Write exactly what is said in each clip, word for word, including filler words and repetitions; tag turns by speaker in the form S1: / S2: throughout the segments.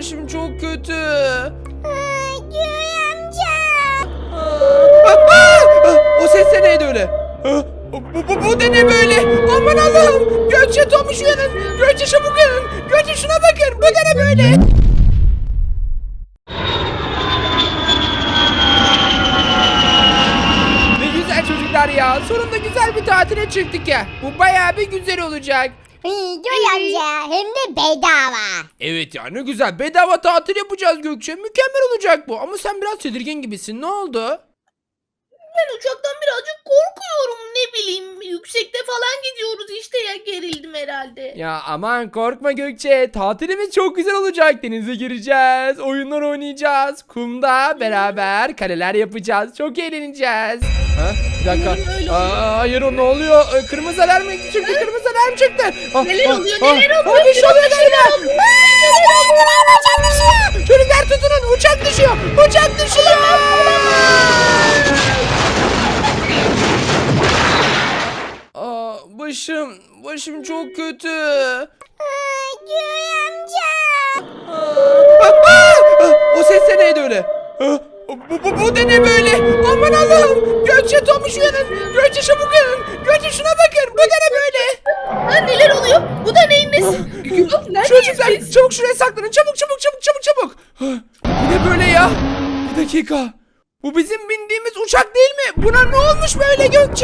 S1: başım çok kötü.
S2: Göğe amca.
S1: Aa, aa, o ses de neydi öyle? Aa, Bu, bu, bu da ne böyle? Aman Allah'ım. Gökçe, Tomuş uyanın. Gökçe çabuk uyanın. Gökçe şuna bakın. Bu da ne böyle? Ne güzel çocuklar ya. Sonunda güzel bir tatile çıktık ya. Bu bayağı bir güzel olacak.
S2: Göğe amca hem de bedava.
S1: Evet ya, ne güzel. Bedava tatil yapacağız Gökçe. Mükemmel olacak bu. Ama sen biraz tedirgin gibisin. Ne oldu?
S3: Ben uçaktan birazcık korkuyorum, ne bileyim, yüksekte falan gidiyoruz işte, ya gerildim herhalde.
S1: Ya aman korkma Gökçe. Tatilimiz çok güzel olacak. Denize gireceğiz. Oyunlar oynayacağız. Kumda beraber kaleler yapacağız. Çok eğleneceğiz. Ha? Bir dakika.
S3: Umarım öyle
S1: Aa, hayır, o ne oluyor? Ee, Kırmızı alarm çıktı. Kırmızı alarm çıktı. Ah,
S3: Neler
S1: ah,
S3: oluyor,
S1: ah,
S3: neler
S1: ah,
S3: oluyor?
S1: Bir şey oluyor galiba.
S2: Uçak düşüyor.
S1: Çocuklar tutunun. Uçak düşüyor. Uçak düşüyor. Aa, başım. Başım çok kötü.
S2: Göğe amca.
S1: Aa, aa, o ses de neydi öyle? Aa, Bu, bu, bu da ne böyle? Aman Allah'ım. Gökçe, Tomuş uyanın. Gökçe çabuk uyanın. Gökçe şuna bakın. Bu da ne böyle?
S3: Ha, neler oluyor? Bu da neyin nesi? Yok, neredeyiz
S1: Çocuklar
S3: biz?
S1: çabuk şuraya saklanın. Çabuk çabuk çabuk çabuk çabuk. Ha, bu ne böyle ya? Bir dakika. Bu bizim bindiğimiz uçak değil mi? Buna ne olmuş böyle Gökçe?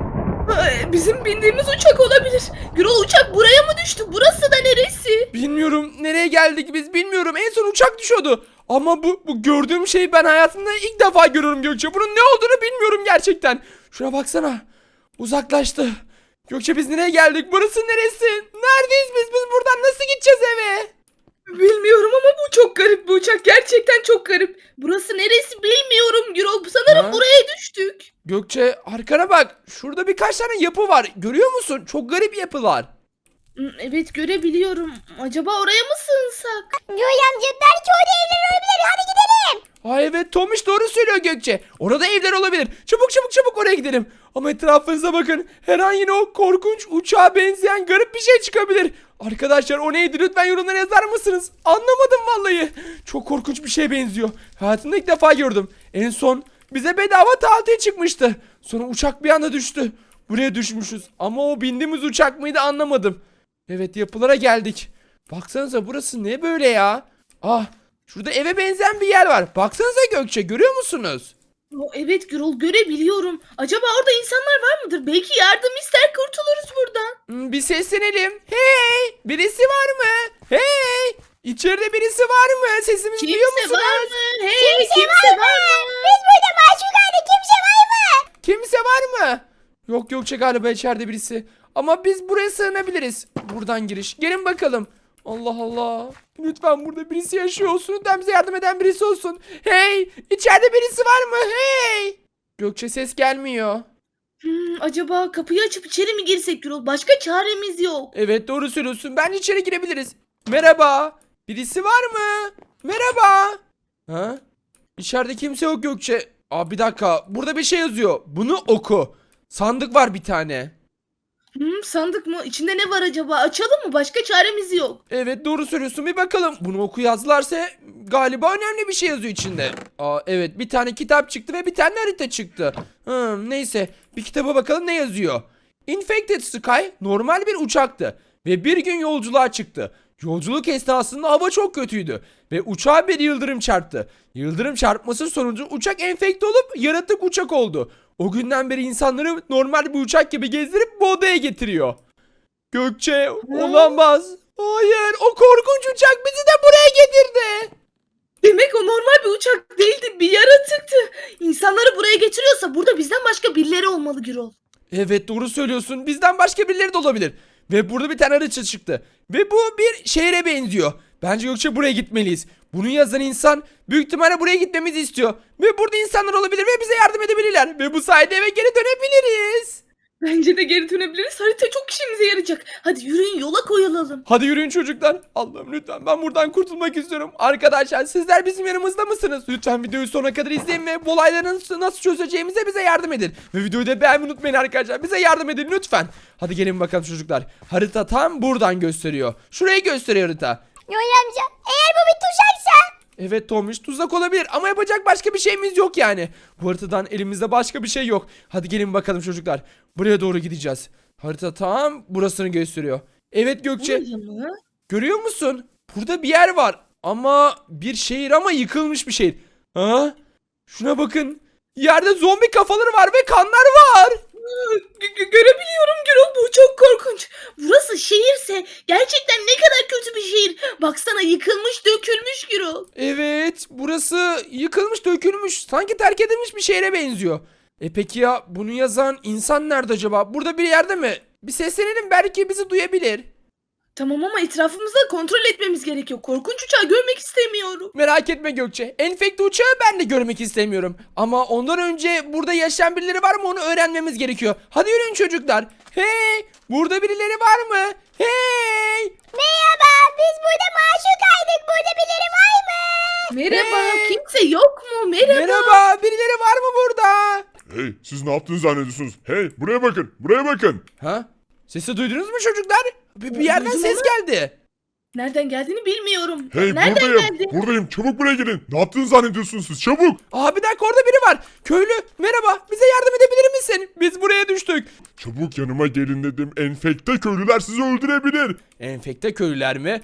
S3: Ay, bizim bindiğimiz uçak olabilir. Gürol, uçak buraya mı düştü? Burası da neresi?
S1: Bilmiyorum. Nereye geldik biz bilmiyorum. En son uçak düşüyordu. Ama bu, bu gördüğüm şeyi ben hayatımda ilk defa görüyorum Gökçe. Bunun ne olduğunu bilmiyorum gerçekten. Şuna baksana. Uzaklaştı. Gökçe, biz nereye geldik? Burası neresi? Neredeyiz biz? Biz buradan nasıl gideceğiz eve?
S3: Bilmiyorum ama bu çok garip bir uçak. Gerçekten çok garip. Burası neresi bilmiyorum Gürol. Sanırım
S1: Ha?
S3: buraya düştük.
S1: Gökçe, arkana bak. Şurada birkaç tane yapı var. Görüyor musun? Çok garip yapılar.
S3: Hmm, evet, görebiliyorum. Acaba oraya mı sığınsak?
S2: Göğe amca belki orada evler olabilir. Hadi gidelim.
S1: Ay evet, Tomiş doğru söylüyor Gökçe. Orada evler olabilir. Çabuk çabuk çabuk oraya gidelim. Ama etrafınıza bakın. Her an yine o korkunç uçağa benzeyen garip bir şey çıkabilir. Arkadaşlar, o neydi? Lütfen yorumlara yazar mısınız? Anlamadım vallahi. Çok korkunç bir şeye benziyor. Hayatımda ilk defa gördüm. En son bize bedava tatil çıkmıştı. Sonra uçak bir anda düştü. Buraya düşmüşüz. Ama o bindiğimiz uçak mıydı anlamadım. Evet, yapılara geldik. Baksanıza, burası ne böyle ya? Ah, şurada eve benzeyen bir yer var. Baksanıza Gökçe, görüyor musunuz?
S3: O, evet Gürol, görebiliyorum. Acaba orada insanlar var mıdır? Belki yardım ister, kurtuluruz buradan.
S1: Hmm, bir seslenelim. Hey! Birisi var mı? Hey! İçeride birisi var mı? Sesimizi duyuyor
S3: Kimse
S1: musunuz?
S3: var mı? Hey,
S2: Kimse,
S3: kimse,
S2: var mı?
S3: var mı?
S2: Biz burada mahsur kaldık. Kimse var mı?
S1: Kimse var mı? Yok Gökçe, galiba içeride birisi. Ama biz buraya sığınabiliriz. Buradan giriş. Gelin bakalım. Allah Allah. Lütfen burada birisi yaşıyor olsun. Lütfen bize yardım eden birisi olsun. Hey! İçeride birisi var mı? Hey! Gökçe, ses gelmiyor.
S3: Hmm, acaba kapıyı açıp içeri mi girsek Gürol? Başka çaremiz yok.
S1: Evet, doğru söylüyorsun. Bence içeri girebiliriz. Merhaba. Birisi var mı? Merhaba. Ha? İçeride kimse yok Gökçe. Aa, bir dakika. Burada bir şey yazıyor. Bunu oku. Sandık var bir tane.
S3: Hmm, sandık mı? İçinde ne var acaba? Açalım mı? Başka çaremiz yok.
S1: Evet, doğru söylüyorsun. Bir bakalım. Bunu oku yazdılarsa galiba önemli bir şey yazıyor içinde. Aa, evet, bir tane kitap çıktı ve bir tane harita çıktı. Hmm, neyse. Bir kitaba bakalım ne yazıyor. Infected Sky normal bir uçaktı ve bir gün yolculuğa çıktı. Yolculuk esnasında hava çok kötüydü ve uçağa bir yıldırım çarptı. Yıldırım çarpması sonucu uçak enfekte olup yaratık uçak oldu. O günden beri insanları normal bir uçak gibi gezdirip bu odaya getiriyor. Gökçe, olamaz. Hayır, o korkunç uçak bizi de buraya getirdi.
S3: Demek o normal bir uçak değildi, bir yaratıktı. İnsanları buraya getiriyorsa burada bizden başka birileri olmalı Gürol.
S1: Evet, doğru söylüyorsun. Bizden başka birileri de olabilir. Ve burada bir tane harita çıktı. Ve bu bir şehre benziyor. Bence Gökçe, buraya gitmeliyiz. Bunu yazan insan büyük ihtimalle buraya gitmemizi istiyor. Ve burada insanlar olabilir ve bize yardım edebilirler. Ve bu sayede eve geri dönebiliriz.
S3: Bence de geri dönebiliriz. Harita çok işimize yarayacak. Hadi yürüyün, yola koyulalım.
S1: Hadi yürüyün çocuklar. Allah'ım, lütfen ben buradan kurtulmak istiyorum. Arkadaşlar, sizler bizim yanımızda mısınız? Lütfen videoyu sonuna kadar izleyin ve bu olayları nasıl, nasıl çözeceğimize bize yardım edin. Ve videoyu da beğenmeyi unutmayın arkadaşlar. Bize yardım edin lütfen. Hadi gelin bakalım çocuklar. Harita tam buradan gösteriyor. Şurayı gösteriyor harita.
S2: Göğe amca eğer bu bir tuzak
S1: Evet Tomiş, tuzak olabilir ama yapacak başka bir şeyimiz yok yani. Bu haritadan elimizde başka bir şey yok. Hadi gelin bakalım çocuklar. Buraya doğru gideceğiz. Harita tam burasını gösteriyor. Evet Gökçe,
S3: Buraya mı?
S1: görüyor musun? Burada bir yer var. Ama bir şehir, ama yıkılmış bir şehir. Ha? Şuna bakın. Yerde zombi kafaları var ve kanlar var.
S3: Gö- gö- görebiliyorum Gürol, bu çok korkunç. Burası şehirse gerçekten ne kadar kötü bir şehir. Baksana, yıkılmış dökülmüş Gürol.
S1: Evet, burası yıkılmış, dökülmüş. Sanki terk edilmiş bir şehre benziyor. E peki ya bunu yazan insan nerede acaba? Burada bir yerde mi? Bir seslenelim, belki bizi duyabilir.
S3: Tamam ama etrafımızda kontrol etmemiz gerekiyor. Korkunç uçağı görmek istemiyorum.
S1: Merak etme Gökçe. Enfekte uçağı ben de görmek istemiyorum. Ama ondan önce burada yaşayan birileri var mı onu öğrenmemiz gerekiyor. Hadi yürüyün çocuklar. Hey! Burada birileri var mı? Hey!
S2: Merhaba, biz burada mahsur kaldık. Burada birileri var mı?
S3: Merhaba,
S1: Hey!
S3: kimse yok mu? Merhaba.
S1: Merhaba, birileri var mı burada?
S4: Hey, siz ne yaptığını zannediyorsunuz? Hey, buraya bakın, buraya bakın.
S1: Ha? Sesi duydunuz mu çocuklar? Bir, bir yerden
S3: Duydum
S1: ses
S3: ama-
S1: geldi.
S3: Nereden geldiğini bilmiyorum.
S4: Hey,
S3: Nereden
S4: buradayım,
S3: geldi?
S4: buradayım. Çabuk buraya gelin. Ne yaptığını zannediyorsunuz siz? Çabuk.
S1: Aa bir dakika, orada biri var. Köylü, merhaba. Bize yardım edebilir misin? Biz buraya düştük.
S4: Çabuk yanıma gelin dedim. Enfekte köylüler sizi öldürebilir.
S1: Enfekte köylüler mi?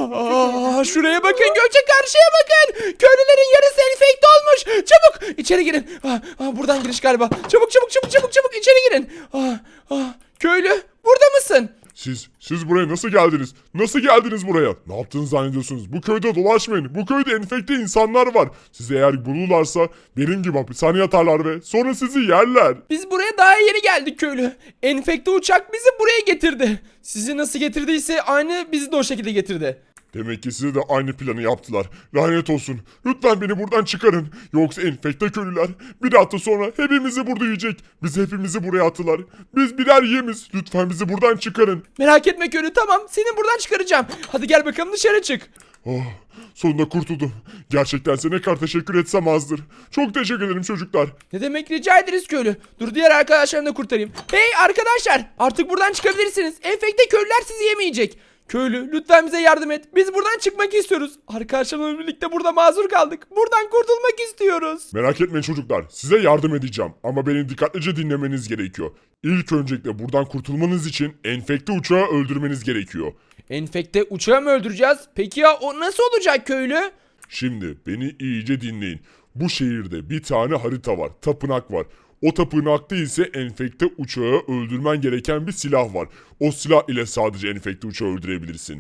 S1: Aa, şuraya bakın Gökçe, karşıya bakın. Köylülerin yarısı enfekte olmuş. Çabuk içeri girin. Aa, aa, buradan giriş galiba. Çabuk çabuk çabuk çabuk çabuk içeri girin. Aa, aa, köylü, burada mısın?
S4: Siz, siz buraya nasıl geldiniz? Nasıl geldiniz buraya? Ne yaptığını zannediyorsunuz? Bu köyde dolaşmayın. Bu köyde enfekte insanlar var. Sizi eğer bulurlarsa benim gibi hapishaneye atarlar ve sonra sizi yerler.
S1: Biz buraya daha yeni geldik köylü. Enfekte uçak bizi buraya getirdi. Sizi nasıl getirdiyse aynı bizi de o şekilde getirdi.
S4: Demek ki size de aynı planı yaptılar. Lanet olsun. Lütfen beni buradan çıkarın. Yoksa enfekte köylüler bir hafta sonra hepimizi burada yiyecek. Bizi hepimizi buraya attılar. Biz birer yemiz. Lütfen bizi buradan çıkarın.
S1: Merak etme köylü, tamam, seni buradan çıkaracağım. Hadi gel bakalım, dışarı çık.
S4: Oh, sonunda kurtuldum. Gerçekten size ne kadar teşekkür etsem azdır. Çok teşekkür ederim çocuklar.
S1: Ne demek, rica ederiz köylü. Dur diğer arkadaşlarını da kurtarayım. Hey arkadaşlar, artık buradan çıkabilirsiniz. Enfekte köylüler sizi yemeyecek. Köylü, lütfen bize yardım et. Biz buradan çıkmak istiyoruz. Arkadaşlarımla birlikte burada mazur kaldık. Buradan kurtulmak istiyoruz.
S4: Merak etmeyin çocuklar. Size yardım edeceğim. Ama beni dikkatlice dinlemeniz gerekiyor. İlk öncelikle buradan kurtulmanız için enfekte uçağı öldürmeniz gerekiyor.
S1: Enfekte uçağı mı öldüreceğiz? Peki ya o nasıl olacak köylü?
S4: Şimdi beni iyice dinleyin. Bu şehirde bir tane harita var. Tapınak var. O tapınakta ise enfekte uçağı öldürmen gereken bir silah var. O silah ile sadece enfekte uçağı öldürebilirsin.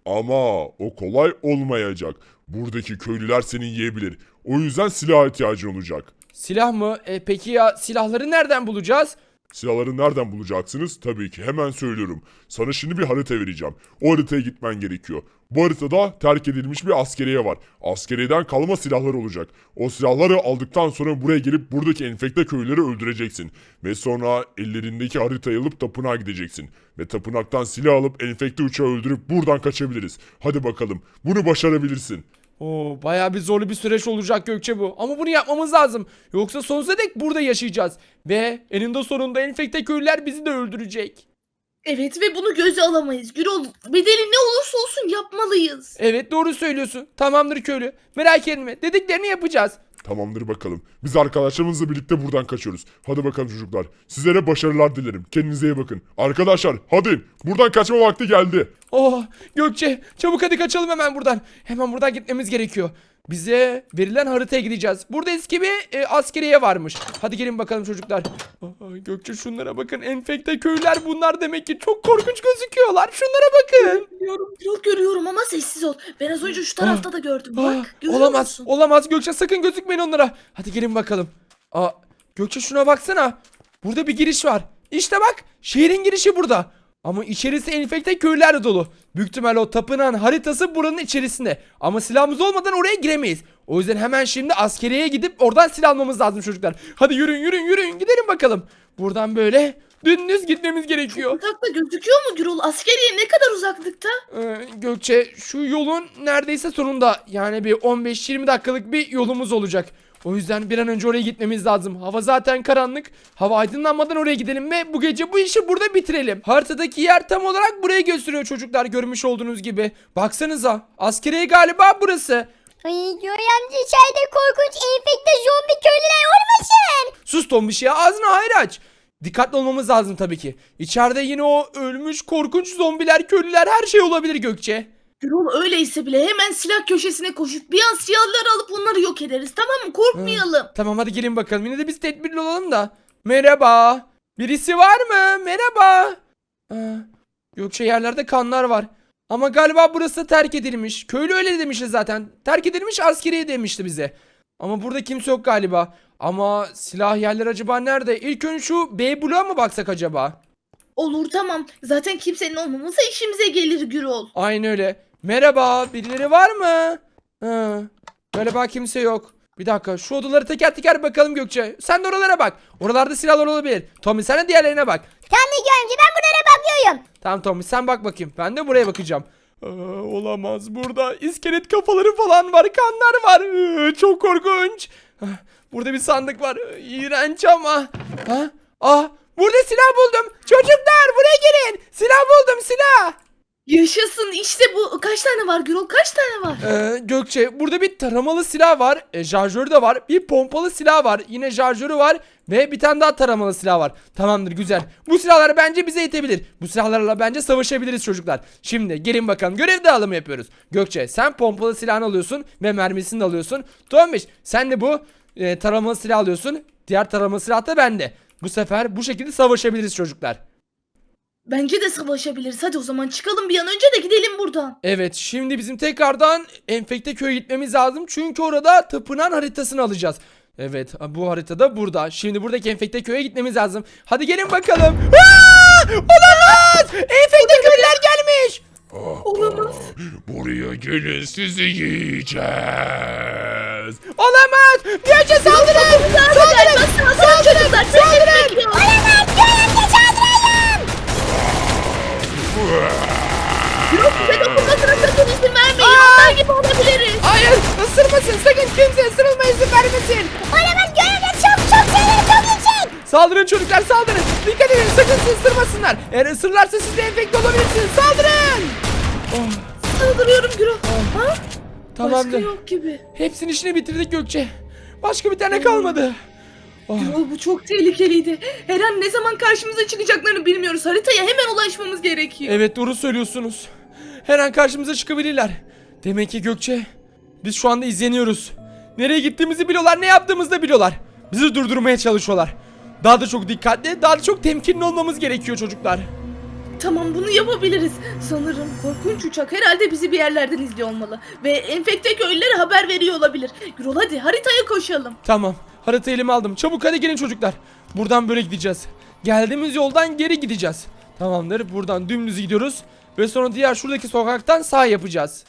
S4: Ama o kolay olmayacak. Buradaki köylüler seni yiyebilir. O yüzden silaha ihtiyacın olacak.
S1: Silah mı? E, peki ya silahları nereden bulacağız?
S4: Silahları nereden bulacaksınız? Tabii ki hemen söylüyorum. Sana şimdi bir harita vereceğim. O haritaya gitmen gerekiyor. Bu haritada terk edilmiş bir askeriye var. Askeriyeden kalma silahlar olacak. O silahları aldıktan sonra buraya gelip buradaki enfekte köylüleri öldüreceksin. Ve sonra ellerindeki haritayı alıp tapınağa gideceksin. Ve tapınaktan silah alıp enfekte uçağı öldürüp buradan kaçabiliriz. Hadi bakalım. Bunu başarabilirsin.
S1: Oo, bayağı bir zorlu bir süreç olacak Gökçe bu. Ama bunu yapmamız lazım. Yoksa sonsuza dek burada yaşayacağız. Ve eninde sonunda enfekte köylüler bizi de öldürecek.
S3: Evet ve bunu göze alamayız. Gürol, bedeli ne olursa olsun yapmalıyız.
S1: Evet, doğru söylüyorsun. Tamamdır köylü. Merak etme. Dediklerini yapacağız.
S4: Tamamdır bakalım. Biz arkadaşlarımızla birlikte buradan kaçıyoruz. Hadi bakalım çocuklar. Sizlere başarılar dilerim. Kendinize iyi bakın. Arkadaşlar hadi. Buradan kaçma vakti geldi.
S1: Oh Gökçe, çabuk hadi kaçalım hemen buradan. Hemen buradan gitmemiz gerekiyor. Bize verilen haritaya gideceğiz. Burada eski bir e, askeriye varmış. Hadi gelin bakalım çocuklar. Aa, Gökçe şunlara bakın. Enfekte köylüler bunlar demek ki. Çok korkunç gözüküyorlar. Şunlara bakın.
S3: Görüyorum, Gürol görüyorum ama sessiz ol. Ben az önce şu tarafta da gördüm.
S1: Aa,
S3: Bak, görüyor
S1: olamaz.
S3: musun?
S1: Olamaz Gökçe, sakın gözükmeyin onlara. Hadi gelin bakalım. Aa, Gökçe şuna baksana. Burada bir giriş var. İşte bak, şehrin girişi burada. Ama içerisi enfekte köylülerle dolu. Büyük ihtimalle o tapınağın haritası buranın içerisinde. Ama silahımız olmadan oraya giremeyiz. O yüzden hemen şimdi askeriyeye gidip oradan silah almamız lazım çocuklar. Hadi yürüyün yürüyün yürüyün, gidelim bakalım. Buradan böyle dümdüz gitmemiz gerekiyor.
S3: Uzakta gözüküyor mu Gürol? Askeriye ne kadar uzaklıkta?
S1: Ee, Gökçe şu yolun neredeyse sonunda. Yani bir on beş yirmi dakikalık bir yolumuz olacak. O yüzden bir an önce oraya gitmemiz lazım. Hava zaten karanlık. Hava aydınlanmadan oraya gidelim ve bu gece bu işi burada bitirelim. Haritadaki yer tam olarak burayı gösteriyor çocuklar, görmüş olduğunuz gibi. Baksanıza, askeriye galiba burası.
S2: Ay Joy amca içeride korkunç enfekte zombi köylüler olmasın.
S1: Sus Tombiş ya, ağzını hayır aç. Dikkatli olmamız lazım tabii ki. İçeride yine o ölmüş korkunç zombiler, köylüler, her şey olabilir Gökçe.
S3: Gürol öyleyse bile hemen silah köşesine koşup bir an silahları alıp onları yok ederiz, tamam mı? Korkmayalım.
S1: Tamam hadi gelin bakalım. Yine de biz tedbirli olalım da. Merhaba. Birisi var mı? Merhaba. Aa, Gökçe, yerlerde kanlar var. Ama galiba burası terk edilmiş. Köylü öyle demişti zaten. Terk edilmiş, askeriye demişti bize. Ama burada kimse yok galiba. Ama silah yerler acaba nerede? İlk önce şu B bloğa mı baksak acaba?
S3: Olur, tamam. Zaten kimsenin olmaması işimize gelir Gürol.
S1: Aynen öyle. Merhaba, birileri var mı? Ha, galiba kimse yok. Bir dakika, şu odaları teker teker bakalım Gökçe. Sen de oralara bak. Oralarda silahlar olabilir. Tommy sen de diğerlerine bak.
S2: Tamam Joy amca ben bunlara bakıyorum.
S1: Tamam Tommy sen bak bakayım. Ben de buraya bakacağım. Aa, olamaz, burada iskelet kafaları falan var. Kanlar var. Ee, çok korkunç. Ah, burada bir sandık var. Ee, İğrenç ama. Ha? Ah, burada silah buldum. Çocuklar buraya gelin. Silah buldum, silah.
S3: Yaşasın, işte bu. Kaç tane var Gürol? Kaç tane var?
S1: Ee, Gökçe, burada bir taramalı silah var. E, şarjörü de var. Bir pompalı silah var. Yine şarjörü var. Ve bir tane daha taramalı silah var. Tamamdır, güzel. Bu silahlar bence bize yetebilir. Bu silahlarla bence savaşabiliriz çocuklar. Şimdi gelin bakalım, görev dağılımı yapıyoruz. Gökçe sen pompalı silahını alıyorsun ve mermisini de alıyorsun. Tombiş sen de bu e, taramalı silah alıyorsun. Diğer taramalı silah da bende. Bu sefer bu şekilde savaşabiliriz çocuklar.
S3: Bence de savaşabiliriz. Hadi o zaman çıkalım bir an önce de gidelim buradan.
S1: Evet, şimdi bizim tekrardan Enfekte köy'e gitmemiz lazım. Çünkü orada tapınan haritasını alacağız. Evet, bu haritada burada. Şimdi buradaki Enfekte köy'e gitmemiz lazım. Hadi gelin bakalım. Aa! Olamaz! Enfekte köylüler gelmiş.
S3: Olamaz.
S4: Buraya gelin, sizi yiyeceğiz.
S1: Olamaz! Gökçe saldırın! Saldırın!
S3: Saldırın çocuklar. Saldırın.
S2: Olamaz Joy amca saldıralım.
S3: Gürol bize dokunmasına sakın izin vermeyin. Onlar gibi olabiliriz.
S1: Hayır! Isırmasın! Sakın kimse ısırılma izin vermesin!
S2: Olamaz Joy amca çok çok sayıları çok yüksek.
S1: Saldırın çocuklar, saldırın! Dikkat edin, sakın sizi ısırmasınlar! Eğer ısırırlarsa siz de enfekte olabilirsiniz! Saldırın! Oh,
S3: Saldırıyorum Gürol. Ha? Başka
S1: tamamdır.
S3: yok gibi.
S1: Hepsinin işini bitirdik Gökçe. Başka bir tane kalmadı. Oh,
S3: Gürol bu çok tehlikeliydi. Her an ne zaman karşımıza çıkacaklarını bilmiyoruz. Haritaya hemen ulaşmamız gerekiyor.
S1: evet doğru söylüyorsunuz. Her an karşımıza çıkabilirler. Demek ki Gökçe, biz şu anda izleniyoruz. Nereye gittiğimizi biliyorlar, ne yaptığımızı da biliyorlar. Bizi durdurmaya çalışıyorlar. Daha da çok dikkatli, daha da çok temkinli olmamız gerekiyor çocuklar.
S3: Tamam, bunu yapabiliriz. Sanırım korkunç uçak herhalde bizi bir yerlerden izliyor olmalı. Ve enfekte köylülere haber veriyor olabilir. Gürol hadi haritaya koşalım.
S1: Tamam, haritayı elime aldım. Çabuk hadi gelin çocuklar. Buradan böyle gideceğiz. Geldiğimiz yoldan geri gideceğiz. Tamamdır, buradan dümdüz gidiyoruz. Ve sonra diğer şuradaki sokaktan sağ yapacağız.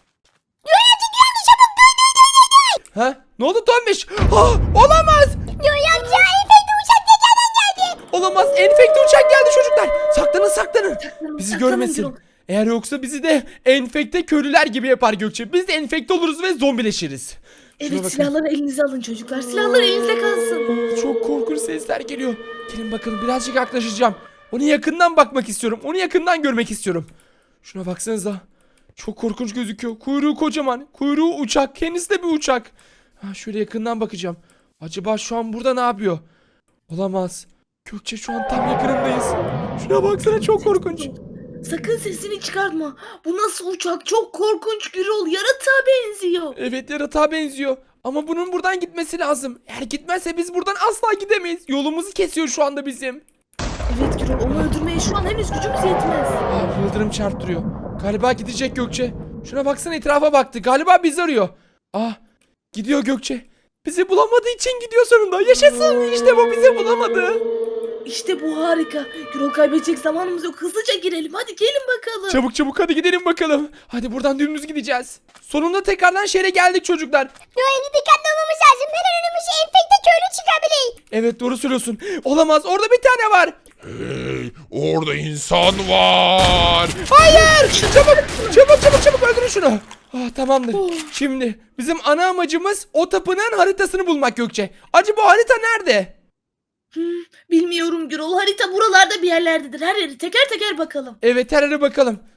S1: Ha? Ne oldu Tombiş? Ah, olamaz!
S2: Joy amca enfekte uçak tekrardan geldi.
S1: Olamaz, enfekte uçak geldi çocuklar. Saklanın saklanın. Bizi
S3: saklanın
S1: görmesin.
S3: Gürol.
S1: Eğer yoksa bizi de enfekte köylüler gibi yapar Gökçe. Biz de enfekte oluruz ve zombileşiriz. Şuna
S3: Evet,
S1: bakın.
S3: silahları elinize alın çocuklar. Silahlar elinizde kalsın.
S1: Çok korkunç sesler geliyor. Gelin bakalım, birazcık yaklaşacağım. Onu yakından bakmak istiyorum. Onu yakından görmek istiyorum. Şuna baksanıza. Çok korkunç gözüküyor. Kuyruğu kocaman. Kuyruğu uçak. Kendisi de bir uçak. Ha, şöyle yakından bakacağım. Acaba şu an burada ne yapıyor? Olamaz. Gökçe, şu an tam yakınındayız. Şuna baksana, çok korkunç.
S3: Sakın sesini çıkartma. Bu nasıl uçak? Çok korkunç Gürol. Yaratığa benziyor.
S1: Evet, yaratığa benziyor. Ama bunun buradan gitmesi lazım. Eğer gitmezse biz buradan asla gidemeyiz. Yolumuzu kesiyor şu anda bizim.
S3: Evet Gürol, onu öldürmeye şu an henüz gücümüz yetmez.
S1: Ah, yıldırım çarptırıyor. Galiba gidecek Gökçe. Şuna baksana, etrafa baktı. Galiba bizi arıyor. Ah, gidiyor Gökçe. Bizi bulamadığı için gidiyor sonunda. Yaşasın. İşte bu, bizi bulamadı.
S3: İşte bu harika. Gürol, kaybedecek zamanımız yok. Hızlıca girelim. Hadi gelin bakalım.
S1: Çabuk çabuk hadi gidelim bakalım. Hadi buradan dümdüz gideceğiz. Sonunda tekrardan şehre geldik çocuklar.
S2: Joy amca dikkatli olmamız lazım. Her an önümüze enfekte köylü çıkabilir.
S1: Evet doğru söylüyorsun. Olamaz, orada bir tane var.
S4: Hey, orada insan var.
S1: Hayır! Çabuk çabuk çabuk çabuk öldürün şunu. Ah, tamamdır. Şimdi bizim ana amacımız o tapınağın haritasını bulmak Gökçe. Acaba harita nerede?
S3: Hmm, bilmiyorum Gürol. Harita buralarda bir yerlerdedir. Her yeri teker teker bakalım.
S1: Evet, her yere bakalım.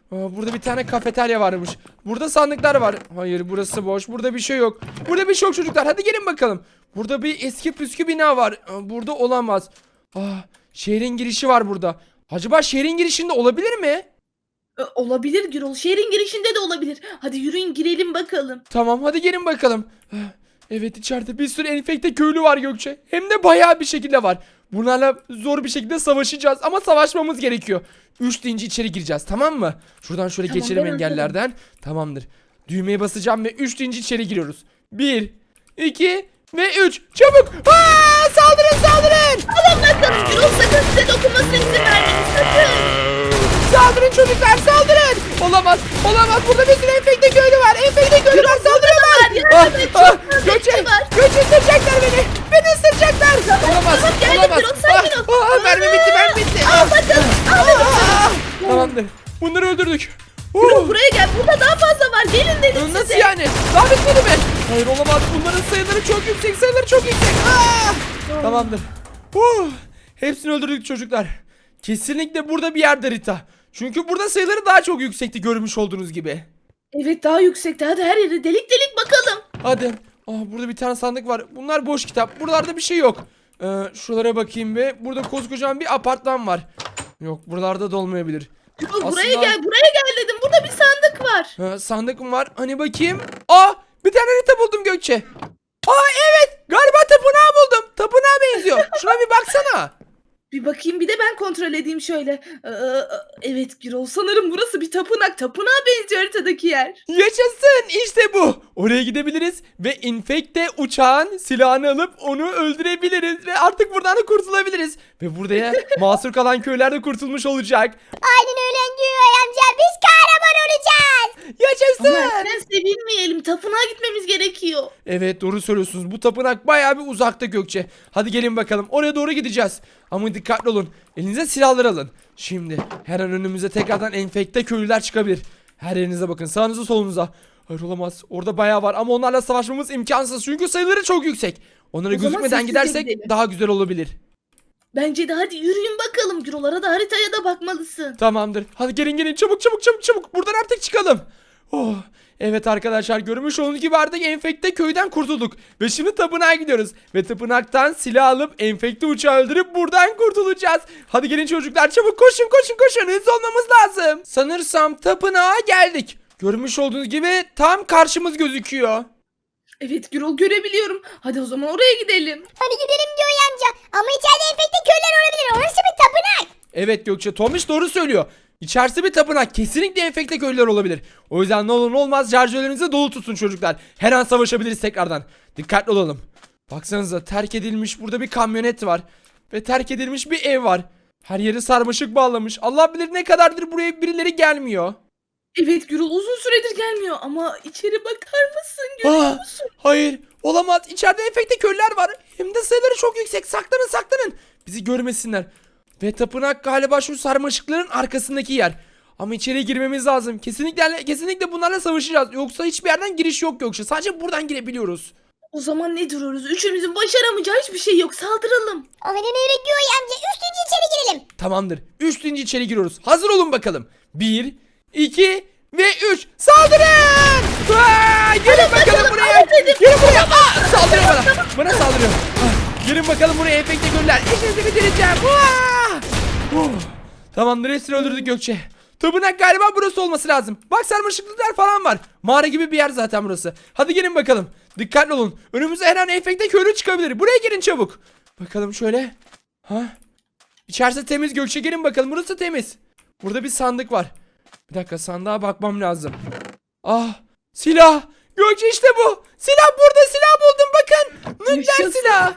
S1: Aa, burada bir tane kafeterya varmış. Burada sandıklar var. Hayır, burası boş. Burada bir şey yok. Burada bir şey yok çocuklar. Hadi gelin bakalım. Burada bir eski püskü bina var. Aa, burada olamaz. Aa, şehrin girişi var burada. Acaba şehrin girişinde olabilir mi?
S3: E, olabilir Gürol. Şehrin girişinde de olabilir. Hadi yürüyün girelim bakalım.
S1: Tamam, hadi gelin bakalım. Ah, evet, içeride bir sürü enfekte köylü var Gökçe. Hem de bayağı bir şekilde var. Bunlarla zor bir şekilde savaşacağız ama savaşmamız gerekiyor. Üç deyince içeri gireceğiz, tamam mı? Şuradan şöyle
S3: Tamam,
S1: geçelim
S3: ben hazırım.
S1: engellerden. Tamamdır. Düğmeye basacağım ve üç deyince içeri giriyoruz. Bir, iki ve üç. Çabuk! Aa, saldırın saldırın!
S3: Alın bakalım Gürol, sakın size dokunmasına izin vermeyin sakın.
S1: Saldırın çocuklar, saldırın! Olamaz, olamaz. Burada bir sürü enfekte köylü var. Enfekte köylü var, saldırıyorlar.
S3: yardım et, çok
S1: Ah,
S3: fazla
S1: Gökçe,
S3: kişi var.
S1: Gökçe ısıracaklar beni. Beni ısıracaklar. Olamaz,
S3: tamam, geldim
S1: olamaz.
S3: Gürol, sakin ol.
S1: Ah, ah, mermi bitti, mermi bitti.
S3: Al bakalım. Al bakalım.
S1: Ah, tamamdır. Bunları öldürdük.
S3: Gürol
S1: Uh,
S3: buraya gel. Burada daha fazla var. Gelin dedim
S1: Nasıl
S3: size.
S1: yani? Daha bitmedi mi? Hayır, olamaz. Bunların sayıları çok yüksek, sayıları çok yüksek. Ah! Tamamdır. Uh, hepsini öldürdük çocuklar. Kesinlikle burada bir yerde Rita. Çünkü burada sayıları daha çok yüksekti, görmüş olduğunuz gibi.
S3: Evet, daha yüksekte. Hadi her yere delik delik bakalım.
S1: Hadi. Aa, burada bir tane sandık var. Bunlar boş kitap. Buralarda bir şey yok. Ee, şuralara bakayım be. Burada koskocaman bir apartman var. Yok, buralarda da olmayabilir.
S3: Gürol buraya
S1: Aslında-
S3: gel. Buraya gel dedim. Burada bir sandık var.
S1: Ee, sandık mı var? Hani bakayım. Aa, bir tane harita buldum Gökçe. Aa, evet. Galiba tapınağı buldum. Tapınağa benziyor. Şuna bir baksana.
S3: Bir bakayım, bir de ben kontrol edeyim şöyle. Ee, evet Gürol, sanırım burası bir tapınak. Tapınağa benziyor haritadaki yer.
S1: Yaşasın, işte bu. Oraya gidebiliriz ve infekte uçağın silahını alıp onu öldürebiliriz ve artık buradan da kurtulabiliriz. Ve burada ya mahsur kalan köyler de kurtulmuş olacak.
S2: Aynen öyle Güray amca. Biz kahraman olacağız.
S3: Ama
S1: Yaşasın.
S3: erken sevinmeyelim. Tapınağa gitmemiz gerekiyor.
S1: Evet, doğru söylüyorsunuz. Bu tapınak bayağı bir uzakta Gökçe. Hadi gelin bakalım. Oraya doğru gideceğiz. Ama dikkatli olun. Elinize silahlar alın. Şimdi her an önümüze tekrardan enfekte köylüler çıkabilir. Her yerinize bakın. Sağınıza solunuza. Hayır, olamaz. Orada bayağı var ama onlarla savaşmamız imkansız. Çünkü sayıları çok yüksek. Onlara
S3: O zaman
S1: gözükmeden
S3: sessizce
S1: gidersek
S3: gidelim.
S1: daha güzel olabilir.
S3: Bence de hadi yürüyün bakalım. Gürol'lara da haritaya da bakmalısın.
S1: Tamamdır. Hadi gelin gelin, çabuk çabuk çabuk çabuk. Buradan artık çıkalım. Oh. Evet arkadaşlar, görmüş olduğunuz gibi artık enfekte köyden kurtulduk. Ve şimdi tapınağa gidiyoruz. Ve tapınaktan silah alıp enfekte uçağı öldürüp buradan kurtulacağız. Hadi gelin çocuklar, çabuk koşun koşun koşun. Hızlı olmamız lazım. Sanırsam tapınağa geldik. Görmüş olduğunuz gibi tam karşımız gözüküyor.
S3: Evet Gürol, görebiliyorum. Hadi o zaman oraya gidelim.
S2: Hadi gidelim Güray amca. Ama içeride enfekte köyler olabilir. Orası bir tapınak.
S1: Evet Gökçe, Tomiş doğru söylüyor. İçerisi bir tapınak, kesinlikle enfekte köylüler olabilir. O yüzden ne olur ne olmaz şarjörlerinizi dolu tutun çocuklar. Her an savaşabiliriz tekrardan. Dikkatli olalım. Baksanıza, terk edilmiş burada bir kamyonet var. Ve terk edilmiş bir ev var. Her yeri sarmaşık bağlamış. Allah bilir ne kadardır buraya birileri gelmiyor.
S3: Evet Gürol, uzun süredir gelmiyor ama içeri bakar mısın? Görüyor
S1: Ah,
S3: musun?
S1: hayır, olamaz. İçeride enfekte köylüler var. Hem de sayıları çok yüksek. Saklanın saklanın. Bizi görmesinler. Ve tapınak galiba şu sarmaşıkların arkasındaki yer. Ama içeriye girmemiz lazım. Kesinlikle kesinlikle bunlarla savaşacağız. Yoksa hiçbir yerden giriş yok yoksa. Sadece buradan girebiliyoruz.
S3: O zaman ne duruyoruz? Üçümüzün başaramayacağı hiçbir şey yok. Saldıralım.
S2: Aynen öyle Güray amca. Üstünce içeri girelim.
S1: Tamamdır. Üç deyince içeri giriyoruz. Hazır olun bakalım. Bir, iki ve üç. Saldırın! Aa, gelin bakalım
S3: bakalım,
S1: buraya.
S3: alın dedim.
S1: Gelin buraya. Aa, saldırıyor bana. Bana saldırıyor. Ah, gelin bakalım buraya enfekte köylüler. İşinizi bitireceğim. Aa! Oh. Tamamdır, hepsini öldürdük Gökçe. Tapınak galiba burası olması lazım. Bak, sarmaşıklıklar falan var. Mağara gibi bir yer zaten burası. Hadi gelin bakalım. Dikkatli olun. Önümüze her an enfekte köylü çıkabilir. Buraya gelin çabuk. Bakalım şöyle. Ha? İçerisi temiz Gökçe, gelin bakalım. Burası temiz. Burada bir sandık var. Bir dakika, sandığa bakmam lazım. Ah, silah. Gökçe, işte bu. Silah burada, silah buldum bakın. Nükleer
S3: Yaşasın.
S1: silah.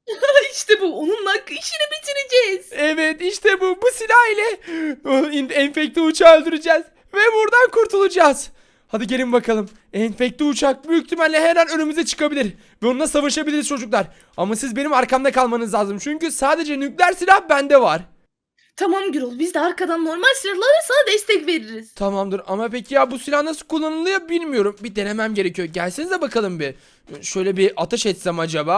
S3: İşte bu. Onunla işini bitireceğiz.
S1: Evet, işte bu. Bu silah ile o enfekte uçağı öldüreceğiz. Ve buradan kurtulacağız. Hadi gelin bakalım. Enfekte uçak büyük ihtimalle her an önümüze çıkabilir. Ve onunla savaşabiliriz çocuklar. Ama siz benim arkamda kalmanız lazım. Çünkü sadece nükleer silah bende var.
S3: Tamam Gürol, biz de arkadan normal silahlarla sana destek veririz.
S1: Tamamdır ama peki ya bu silah nasıl kullanılıyor bilmiyorum. Bir denemem gerekiyor. Gelsenize bakalım bir. Şöyle bir ateş etsem acaba.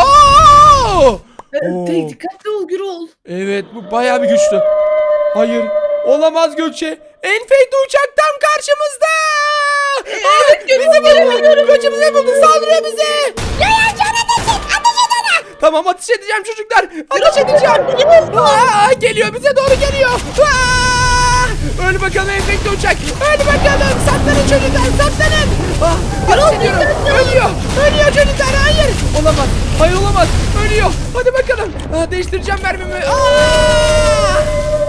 S1: Aa!
S3: Ee,
S1: Oo.
S3: tek dikkatli ol Gürol.
S1: Evet, bu bayağı bir güçlü. Hayır, olamaz Gökçe. Enfekte uçak tam karşımızda. Evet, bizi buldu. Gökçe bizi buldu. Saldırıyor bize.
S2: Joy amca ona ateş et. Ateş et ona.
S1: Tamam, ateş edeceğim çocuklar. Ateş edeceğim. Aa, geliyor, bize doğru geliyor. Aa! Öl bakalım enfekte uçak. Öl bakalım. Saklanın çocuklar, saklanın. Ah, ateş ediyorum. Ölüyor. Ölüyor çocuklar. Hayır. Olamaz. Hayır olamaz. Ölüyor. Hadi bakalım. Aa, değiştireceğim mermimi. Aa!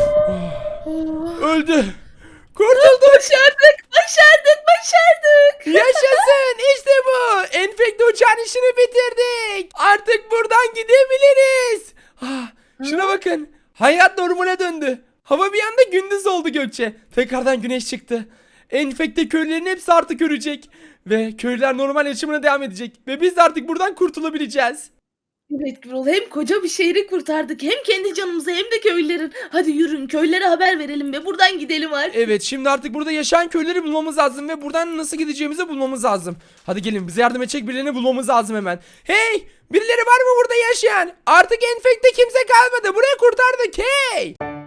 S1: Öldü. Kurtulduk.
S3: Başardık, başardık, başardık.
S1: Yaşasın. İşte bu. Enfekte uçağın işini bitirdik. Artık buradan gidebiliriz. Ah, şuna bakın. Hayat normale döndü. Hava bir anda gündüz oldu Gökçe. Tekrardan güneş çıktı. Enfekte köylülerin hepsi artık ölecek. Ve köylüler normal yaşamına devam edecek. Ve biz de artık buradan kurtulabileceğiz.
S3: Evet Gürol, hem koca bir şehri kurtardık hem kendi canımızı hem de köylülerin. Hadi yürün, köylere haber verelim ve buradan gidelim artık.
S1: Evet, şimdi artık burada yaşayan köyleri bulmamız lazım ve buradan nasıl gideceğimizi bulmamız lazım. Hadi gelin, bize yardım edecek birilerini bulmamız lazım hemen. Hey, birileri var mı burada yaşayan? Artık enfekte kimse kalmadı, burayı kurtardık, hey.